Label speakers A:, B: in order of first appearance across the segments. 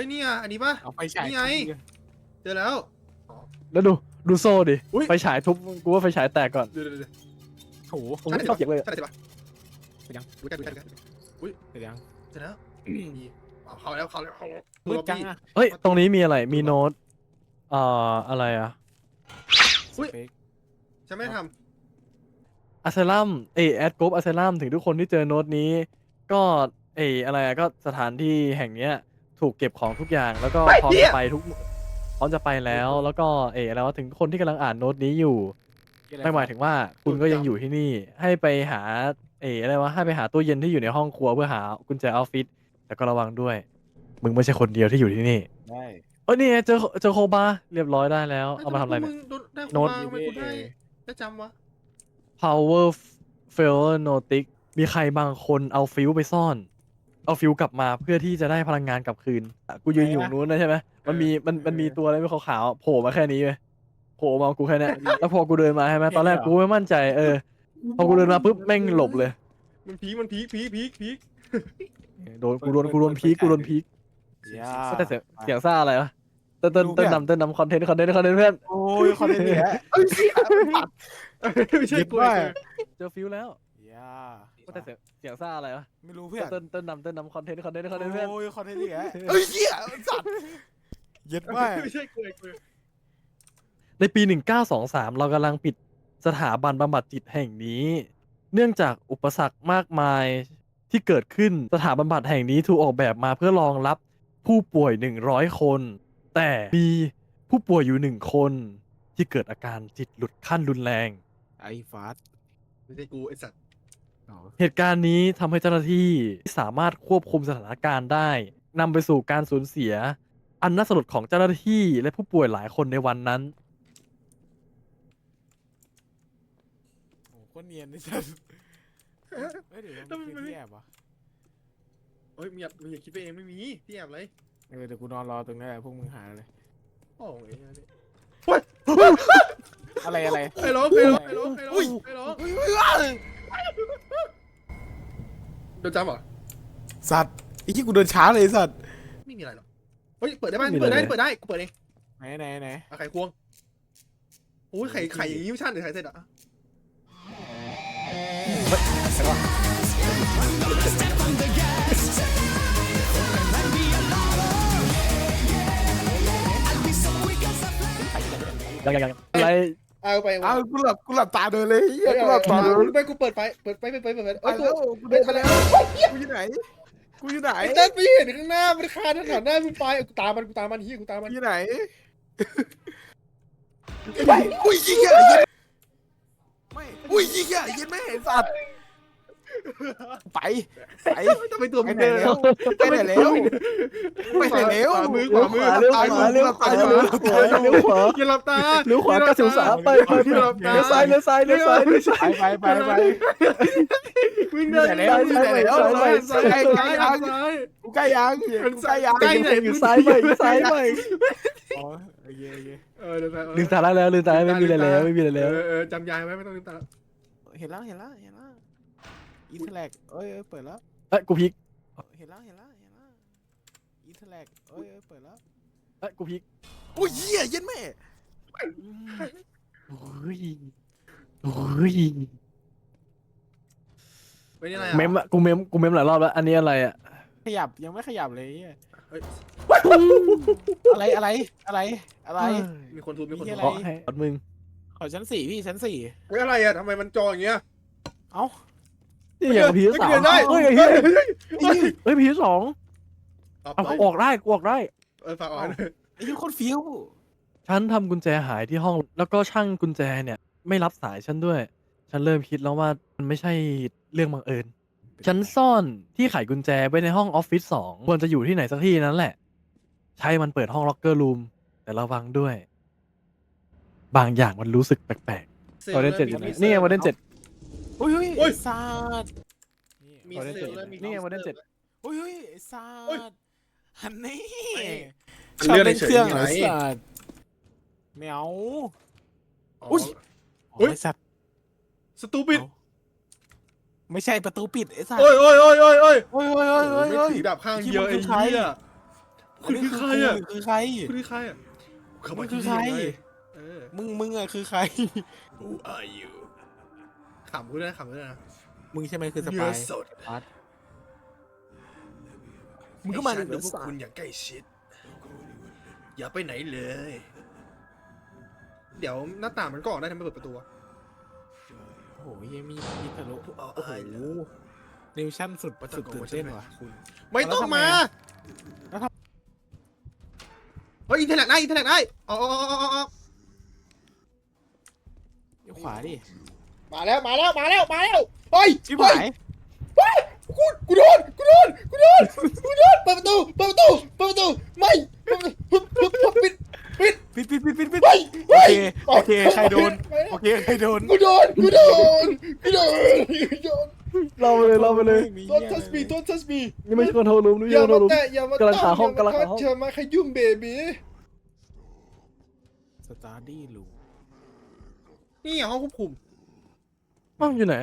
A: นี่อ่ะอันนี้ป่ะ
B: เอาไปฉาย
A: นี่ไง เจอแล้ว
C: แล้วดูโซ่ดิไฟฉายทุบกูว่าไฟฉายแตกก่อน
A: เดี๋ยว
B: โถ
C: ผมไม่ชอบเก็บเลย
A: ใช่ใช่ป่ะ
B: ไปยัง
A: ดูกัน
B: เสร็จยัง
A: เสร็จแล้วนี่เข้าแล้ว
B: มืดจังอะ
C: เฮ้ยตรงนี้มีอะไรมีโน้ตอะไรอะ
A: ฉันไม่ได้ท
C: อะเซลัมแอดกรุ๊ปอะเซลัมถึงทุกคนที่เจอโน้ตนี้ก็อะไรอะก็สถานที่แห่งเนี้ยถูกเก็บของทุกอย่างแล้วก็พร้อมจะไปแล้วแล้วก็อะไรวะถึงคนที่กำลังอ่านโน้ตนี้อยู่ไม่หมายถึงว่าคุณก็ยังอยู่ที่นี่ให้ไปหาอะไรวะให้ไปหาตู้เย็นที่อยู่ในห้องครัวเพื่อหากุญแจออฟฟิศแต่ก็ระวังด้วยมึงไม่ใช่คนเดียวที่อยู่ที่นี่
B: ได้
C: นี่ไงเจอโคบาเรียบร้อยได้แล้ว
A: ำ
C: เอามาทำอะไรเนี่ย
A: ได้
C: โน้ต
A: ทำไมกูได้จำวะ
C: power failure notic มีใครบางคนเอาฟิวไปซ่อน เอาฟิวกลับมาเพื่อที่จะได้พลังงานกลับคืนกูยืนอยู่นู้นนะใช่ไหมมันมีตัวอะไรไม่ขาวๆโผล่มาแค่นี้เลยโผล่มากูแค่นี้แล้วพอกูเดินมาใช่ไหมตอนแรกกูไม่มั่นใจพอกูเดินมาปุ๊บแม่งหลบเลย
A: มันพีค
C: โดนพีก
B: ย่า
C: แต่เสียงซ่าอะไรวะเต้นนำคอนเทนต์เพื่อน
B: โอ้ยคอนเทนต์เนี่ย
A: ไม่ใช่กู
C: เจอฟิวแล้ว
B: ย่า
C: แต่เสียงซ่าอะไรวะ
B: ไม่รู้เพื่อน
C: เต้นนำคอนเทนต์เพื่อน
B: โอ้ยคอนเทนต์เนี่ยเฮ้ยเหี้ยสัตว์เย็ดมาก
A: ไม่ใช่กู
C: ในปี 1923 เรากำลังปิดสถาบันบำบัดจิตแห่งนี้ เนื่องจากอุปสรรคมากมายที่เกิดขึ้นสถาบันบำบัดแห่งนี้ถูกออกแบบมาเพื่อรองรับผู้ป่วย 100 คน แต่มีผู้ป่วยอยู่1 คนที่เกิดอาการจิตหลุดขั้นรุนแรง
B: ไอ้ฟาส
A: ไม่ใช่กูไอสัตว์
C: เหตุการณ์นี้ทำให้เจ้าหน้าที่สามารถควบคุมสถานการณ์ได้นำไปสู่การสูญเสีย อันน่าสลดของเจ้าหน้าที่และผู้ป่วยหลายคนในวันนั้น
B: โอ้โคตรเนียนนี่สัตว์เฮ้ยเดี๋ยวมันคือที่แอบวะ
A: เฮ้ยมึงอย่าคิดไปเองไม่มีที่แอบเลย
B: เดี๋ยวกูนอนรอตรงนั้นแหละพวกมึงหาเลย
A: โอ้ย
B: อะไร
A: ใครร้องโดนจำเหรอ
B: สัตว์ไอ้ที่กูเดินช้าเลยสัตว์
A: ไม่มีอะไรหรอกเฮ้ยเปิดได้ไหมเปิดได้กูเปิดเอง
B: ไหน
A: ไข่ควงโอ้ยไข่อย่างนี้ไม่ใช่หรือไข่เสร็จอ่ะ
C: ยังอะไร
A: เอาไป
B: อ้าวกูหลับตาเดินเลยเฮียกูหลับตา
A: ไปกูเปิดไฟเปิด
B: ไป
A: เอ้ย
B: แล้วกูเดินไปแล้วกูอยู่ไหน
A: ไอ้เต้นไปเห็นข้างหน้ามันคาถนนหน้ามึงไปกูตามมันเฮียกูตามมัน
B: อยู่ไหนอุ้ยยิงอ่ะไม่อุ้ยยิงอ่ะยิงไม่เห็นสัตว์ไป
A: ทำไมตัว
B: ไป
A: มึง
B: ไหน
A: เดิน
B: แล้วไปไหนแล้วไปไหนแล้ว
A: ขวามือ
C: เลี้ยวขวาอย่าหลับตาเลี้ยวขวา93ไปเลี้ยวซ้าย
B: ไป
A: วิ่งเดิน
B: กูใกล้ยัง
A: ใกล้ไหน
C: อยู่ซ้ายไป
B: อ๋อโอเค
C: ลืมตาแล้วลืมตาไม่มีอะไรแล้ว
A: จำยายไว้ไม่ต้องลืมตา
B: เห็นแล้วอินเทอร์แลกเอ้ยเปิดแล้ว
C: กูพลิก
B: เห็นแล้วอินเทอร์แลกเอ้ยเปิดแล้ว
C: กูพลิก
B: โอ้ยเหี้ยเย็นแม่
C: โอ้ย
A: ไม่นี่อะไร
C: เมมอะกูเมมหลายรอบแล้วอันนี้อะไรอะ
B: ขยับยังไม่ขยับเลยอะไร
A: มีคนทุบมีคนทุบ
C: ขอให้มึง
B: ขอชั้น4พี่ชั้น4
A: เฮ้ยอะไรอ่ะทำไมมันจออย่างเงี้ย
B: เอ้า
C: นี่อย่างพีสามเฮ้ยพีสองเอาออกได้กูออกได้
A: ฝากอ่อน
B: ไอ้ยี่คนฟิว
C: ฉันทำกุญแจหายที่ห้องแล้วก็ช่างกุญแจเนี่ยไม่รับสายฉันด้วยฉันเริ่มคิดแล้วว่ามันไม่ใช่เรื่องบังเอิญฉันซ่อนที่ไขกุญแจไว้ในห้องออฟฟิศ2ควรจะอยู่ที่ไหนสักที่นั้นแหละใช่มันเปิดห้องล็อกเกอร์รูมแต่ระวังด้วยบางอย่างมันรู้สึกแปลกๆวอร์เดน7อยู่นี่ไงวอร์เดน7
B: โอ้ยซาด
A: มีเซลล์มี
C: นี่ไงวอร์เดน7
B: โอ้ยซาดฮันนี่
A: เลื่อนเฉย
B: เหรอซาดแมวอุ้ยสัตว์
A: สตูปิด
B: ไม่ใช่ประตูปิดไอ้สัตว์
A: โอ้ย
B: โอ้ย
A: ไม่ถือดาบข้างเยอะไอ้เหี้ย
B: คุณคือใครอ่ะคือใคร
A: คุณคือใครอ่ะ
B: มึงคือใคร
A: เออ
B: มึงอ่ะคือใคร
A: Who are you ขำกูด้วยนะขำกูด้วยนะ
B: มึงใช่ไหมคือส
A: เนื้
B: ปา
A: อย สด
B: มึงก็มา
A: ให้ฉัน
B: เนื้
A: ดู
B: อ
A: พวก
B: สัต
A: คุณ
B: ว์
A: อย่างใกล้ชิด อย่าไปไหนเลย เดี๋ยวหน้าต่างมันก็ออกได้ทำไมเปิดประตูวะ
B: โอ้โหยังมีทะลุ
A: เอา
B: โอ้โห
A: อายเหรอ
B: นิวชั่นสุดสุดตื่นเต้นว่ะ
A: คุณไม่ต้องมา
B: แล้วทำ
A: เฮ้ยอินเทอร์เน็ตได้อินเทอร์เน็ตได้อ๋อ
B: เดี๋ยวขวาดิ
A: มาแล้วเฮ้ย
B: ชิบ
A: เฮ้ย
B: หาย
A: กูโดนเปิดประตูไม่ปิด
B: ปิด
A: ไป
B: โอเคโอเคใครโดนโอเคใครโดน
A: กูโดน
C: เราไปเลยเราไปเลย
A: Don't touch me Don't touch me
C: นี่ไม่ใช่คอนโทรลรูมนี่
A: อย่า
C: ไม่ใช่คอนโทรลรูม
A: มาแตะอย่ามา
C: กำลังหาห้องกำลังหาห้อง
A: อย่ามาขยุ่มเบบี
B: สตาร์ดี้ลู
A: นี่ห้องควบคุม
C: อ้าวอยู่ไหน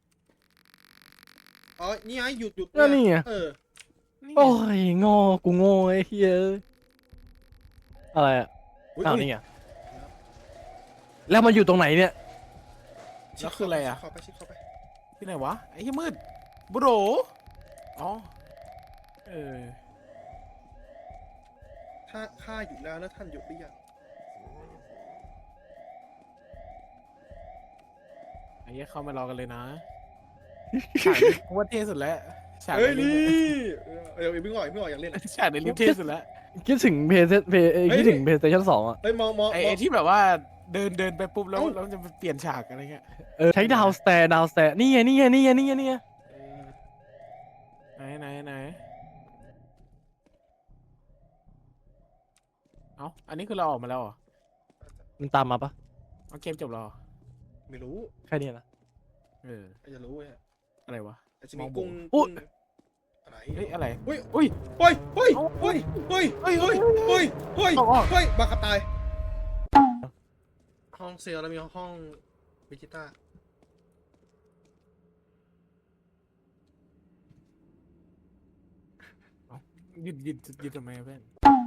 A: อ๋อนี่ไงหยุด
C: แล้วนี่ไง
A: เออ
C: โอ้ยงอกูโง่ไอ้เหี้ยอะไรอ่ะอ้าวนี่ไงแล้วมันอยู่ตรงไหนเนี่ย
B: แล้วคืออะไรอ่ะ
A: เข้าไปชิดเข้าไป
B: ที่ไหนวะไอ้ที่มืดบุโรอ๋อเออ
A: ถ้าข้าหยุดแล้วท่านหยุดหรือยัง
B: ไอ้เหี้ยเข้ามารอกันเลยนะฉากกูว่าเท่สุดแล้วฉาก
A: เฮ้ย
B: ใน
A: นี่
B: ลิฟต์
A: เดี๋ยวเพิ่งออกอยากเล่น
B: ฉากในลิฟต์เท่สุดแล้ว
C: คิดถึงคิดถึงเพย์สเตชัน2อ่ะ
A: เฮ้ยมอง
B: ไอ้ที่แบบว่าเดินไปปุ๊บแล้วมันจะเปลี่ยนฉากอะไรเงี้ย
C: ใช้ดาวสแตร์นี่ไงนี่ไงนี่ไงนี่ไงนี่ไง
B: ไหนเอ้าอันนี้คือเราออกมาแล้วเหรอ
C: มันตามมาปะ
B: เอาเกมจบแล้วเหรอ
A: ไม่รู้
C: แค่นี้นะ
B: เออ
A: ใครจะรู้เว้ย
B: อะไรวะ
A: แต่จะมี
B: มองบน
A: กุ้ง
C: อุ๊ย
A: อะไร
B: เฮ้ยอะไร
A: อุ้ย
B: อุ้ย
A: เฮ้ย
B: เอา
A: เฮ้ย บังคับตาย ห้องเซลแล้วมีห้องวิจิต้า
B: หยุดทำไมอะเพื่อน